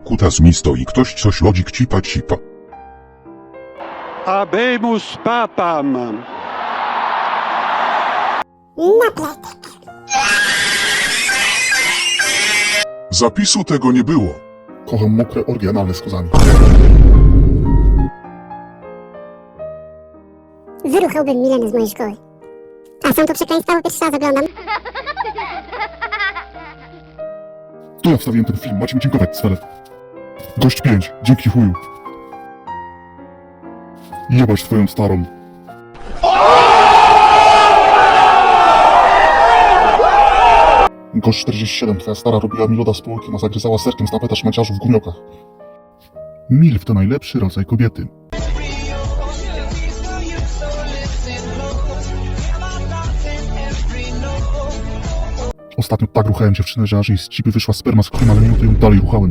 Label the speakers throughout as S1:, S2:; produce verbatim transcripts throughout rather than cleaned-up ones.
S1: Kutas mi stoi, ktoś coś lodzik cipa cipa.
S2: Habemus papam.
S3: Na plecak.
S1: Zapisu tego nie było.
S4: Kocham mokre orgie analne z kozami.
S3: Wyruchałbym Milenę z mojej szkoły. A są to przekleństwa, bo pierwszy raz oglądam.
S4: To ja wstawiłem ten film, macie mi dziękować, Swelet. Gość pięć, dzięki chuju. Jebać twoją starą. Gość czterdzieści siedem, twoja stara robiła mi loda z półki, a zagryzała serkiem z tapeta szmaciarzu w gumiokach. Milf to najlepszy rodzaj kobiety. Ostatnio tak ruchałem dziewczynę, że aż jej z cipy wyszła sperma z krwi, ale mimo to ją dalej ruchałem.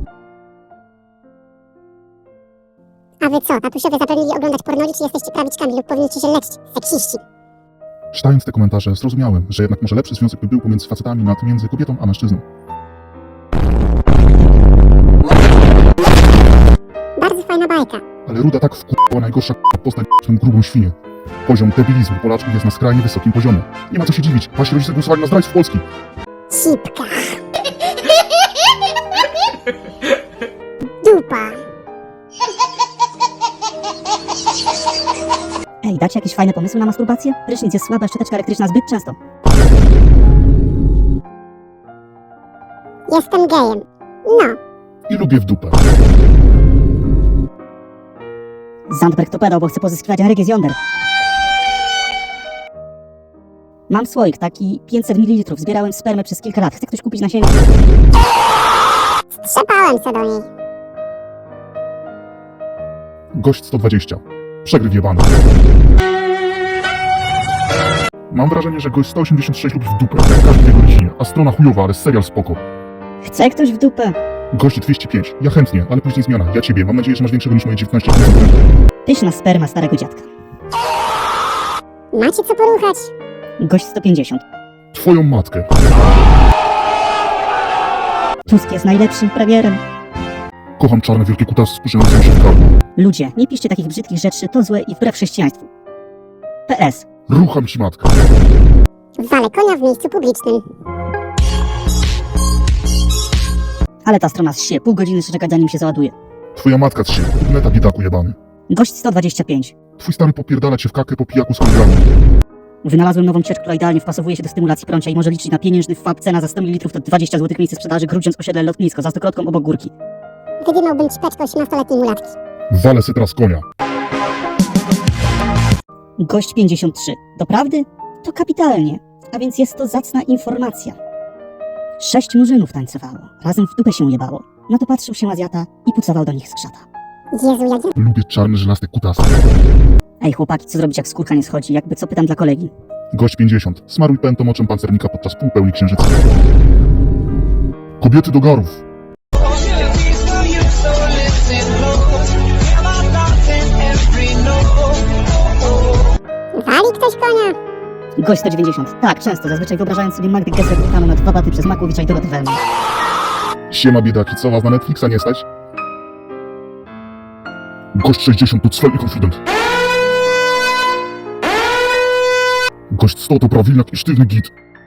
S3: A wy co, tatusiowie zabronili oglądać pornoli, czy jesteście prawiczkami lub powinniście się leczyć, seksiści?
S4: Czytając te komentarze zrozumiałem, że jednak może lepszy związek by był pomiędzy facetami nad między kobietą a mężczyzną.
S3: Bardzo fajna bajka.
S4: Ale Ruda tak wkurzyła najgorsza k***a postać tą grubą świnię. Poziom debilizmu Polaczków jest na skrajnie wysokim poziomie. Nie ma co się dziwić, wasi rodzice głosowali na zdrajców Polski.
S3: Sipka. Dupa.
S5: Ej, dacie jakieś fajne pomysły na masturbację? Prysznic jest słaba, szczoteczka elektryczna zbyt często.
S3: Jestem gejem. No.
S4: I lubię w dupę.
S5: Zandberg to pedał, bo chce pozyskiwać energię z jąder. Mam słoik, taki pięćset mililitrów. Zbierałem spermę przez kilka lat. Chce ktoś kupić nasienie?
S3: Strzepałem se do niej.
S4: Gość sto dwadzieścia. Przegryw jebany. Mam wrażenie, że gość sto osiemdziesiąt sześć lubi w dupę, jak każdy w jego rodzinie. A strona chujowa, ale serial spoko.
S5: Chce ktoś w dupę?
S4: Gość dwieście pięć. Ja chętnie, ale później zmiana. Ja ciebie. Mam nadzieję, że masz większego niż moje dziewiętnaście procent.
S5: Pyszna sperma starego dziadka.
S3: Macie co poruchać?
S5: Gość sto pięćdziesiąt.
S4: Twoją matkę.
S5: Tusk jest najlepszym premierem.
S4: Kocham czarne wielkie kutasy spuszczające się w gardło.
S5: Ludzie, nie piszcie takich brzydkich rzeczy, to złe i wbrew chrześcijaństwu. P S.
S4: Rucham ci matkę.
S3: Walę konia w miejscu publicznym.
S5: Ale ta strona zsie, pół godziny czekać zanim się załaduje.
S4: Twoja matka trzy. Neta biedaku jebany.
S5: Gość sto dwadzieścia pięć.
S4: Twój stary popierdala cię w kakę po pijaku z kolegami.
S5: Wynalazłem nową ciecz, która idealnie wpasowuje się do stymulacji prącia i może liczyć na pieniężny wpłat. Cena za sto mililitrów to dwadzieścia złotych, miejsce sprzedaży Grudziądz osiedle Lotnisko, za stokrotką obok górki.
S3: Wydymałbym ćpeczkę osiemnastoletniej mulatki.
S4: Walę se teraz konia.
S5: Gość pięćdziesiąt trzy. Doprawdy? To kapitalnie. A więc jest to zacna informacja. Sześć murzynów tańcowało. Razem w dupę się jebało. No to patrzył się Azjata i pucował do nich z krzata.
S3: Jezu, jak ja...
S4: Lubię czarne żelazne kutasy.
S5: Ej chłopaki, co zrobić jak skórka nie schodzi? Jakby co, pytam dla kolegi.
S4: Gość pięćdziesiąt. Smaruj pętą oczem pancernika podczas półpełni księżyca. Kobiety do garów.
S3: Wali ktoś konia?
S5: Gość sto dziewięćdziesiąt. Tak, często. Zazwyczaj wyobrażając sobie Magdę Gessler ruchaną na dwa baty przez Makłowicza i Dorotę Welman.
S4: Siema biedaki, co was na Netflixa nie stać? Gość sześćdziesiąt to cwel i konfident. Gość sto to prawilniak i sztywny git.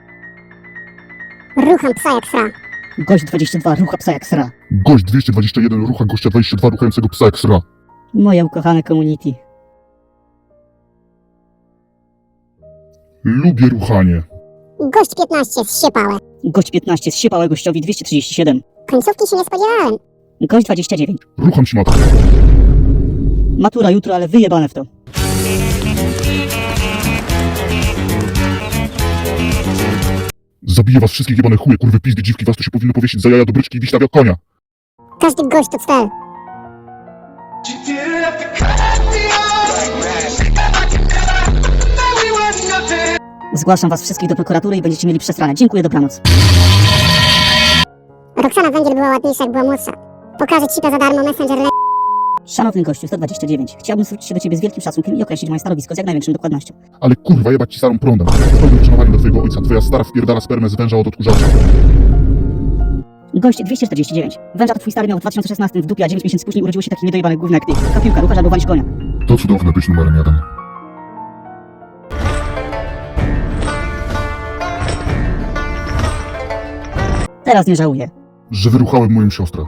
S3: Rucham psa jak sra.
S5: Gość dwadzieścia dwa. Rucha psa jak sra.
S4: Gość dwieście dwadzieścia jeden rucha gościa dwadzieścia dwa ruchającego psa jak sra.
S5: Moje ukochane community.
S4: Lubię ruchanie.
S3: Gość piętnaście, zsiepałe.
S5: Gość piętnaście. Zsiepałe gościowi dwieście trzydzieści siedem.
S3: Końcówki się nie spodziewałem.
S5: Gość dwadzieścia dziewięć.
S4: Rucham ci matkę.
S5: Matura jutro, ale wyjebane w to.
S4: Zabiję was wszystkich jebane chuje, kurwy pizdy, dziwki, was tu się powinno powiesić za jaja do bryczki i wiśnia jak konia.
S3: Każdy gość to cel.
S5: Zgłaszam was wszystkich do prokuratury i będziecie mieli przesrane. Dziękuję, dobranoc.
S3: Roxana Węgiel była ładniejsza, jak była młodsza. Pokażę ci to za darmo, Messenger le...
S5: Szanowny gościu, sto dwadzieścia dziewięć. Chciałbym zwrócić się do ciebie z wielkim szacunkiem i określić moje stanowisko z jak największą dokładnością.
S4: Ale kurwa, jebać ci starą prądem. Z pełnym uszanowaniem do twojego ojca. Twoja stara wpierdala spermę z węża od odkurzacza.
S5: Gość dwieście czterdzieści dziewięć. Węża to twój stary miał w dwa tysiące szesnastym w dupie, a dziewięć miesięcy później urodziło się taki niedojebany gówno jak ty. Taka piłka, ruchasz albo walisz konia.
S4: To cudowne być numerem jeden.
S5: Teraz nie żałuję.
S4: Że wyruchałem moją siostrę.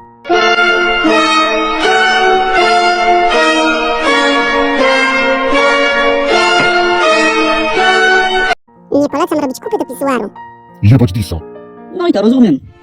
S3: Nie polecam robić kupy do pisuaru.
S4: Jebać Disa.
S5: No i to rozumiem.